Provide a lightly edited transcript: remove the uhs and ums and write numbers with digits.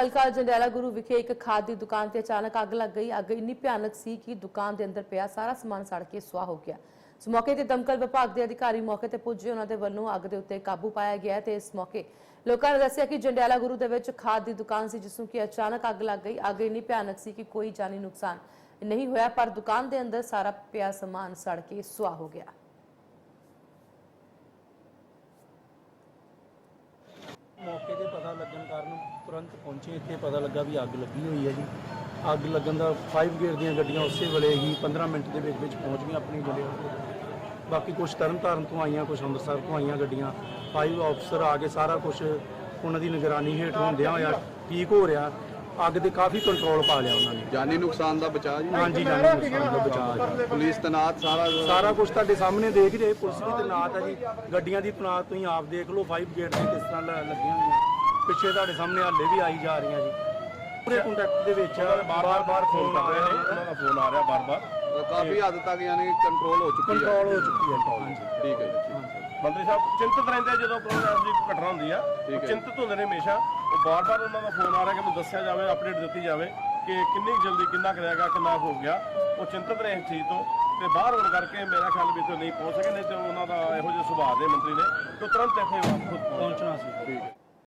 हल्का जंडियाला गुरु विखे एक खाद की दुकान से अचानक अग लग गई। अग इन्नी भयानक सी कि दुकान के अंदर पिया सारा समान सड़ के सुआह हो गया। इस मौके ते दमकल विभाग के अधिकारी मौके ते पुजे, उन्होंने वल्लों अग के उत्ते काबू पाया गया। तो इस मौके लोगों ने दस्सिया कि जंडियाला गुरु दे विच खाद की दुकान सी, जिसनों कि अचानक अग लग गई। अग इन्नी भयानक सी कि कोई जानी नुकसान नहीं होया, पर दुकान के अंदर सारा पिया समान सड़ के सुआह हो गया। मौके ते पता लगन कारण तुरंत पहुंचे। इत्थे पता लगा भी अग लगी हुई है जी। अग लगन का 5 गेट दी गड्डियां उस वेले ही 15 मिनट के पहुंच गई अपनी जगह। बाकी कुछ तरन तारण तो आईयां, कुछ अमृतसर तो आईयां गड्डियां। 5 ऑफिसर आ के सारा कुछ उन्होंने निगरानी हेठ होंदियां होया ठीक हो रहा। अग ते काफ़ी कंट्रोल पा लिया उन्होंने। जानी नुकसान का बचाव जी? हाँ जी, जानी नुकसान का बचाव। पुलिस तैनात सारा कुछ तुहाडे सामने देख रहे। पुलिस भी तैनात है जी, गड्डियां की तैनात तुसीं आप देख लो। 5 गेट से किस तरह लगी हुई पिछे तुहाडे सामने हाले भी आई जा रही जी। पूरे कॉन्टैक्ट दे विच बार-बार फोन आ रहे हैं, उन्होंने फोन आ रहा बार-बार। काफी हद तक यानी कंट्रोल हो चुकी है। ठीक है जी। मंत्री साहब चिंतित रहते हैं जो कोई ऐसी घटना होंगी है, चिंतित होंगे ने हमेशा। वो बार-बार उन्होंने फोन आ रहा है कि मैं दस्या जाए, अपडेट दी जाए कि किन्नी जल्दी किन्ना करेगा, किन्ना हो गया। वो चिंतित रहे इस चीज़ तो बाहर होने करके मेरा ख्याल भी तो नहीं पहुँच सके। नहीं तो उन्होंने यहो जिहे सुभाव के मंत्री ने तो तुरंत इतने खुद पहुँचना सी। ठीक है।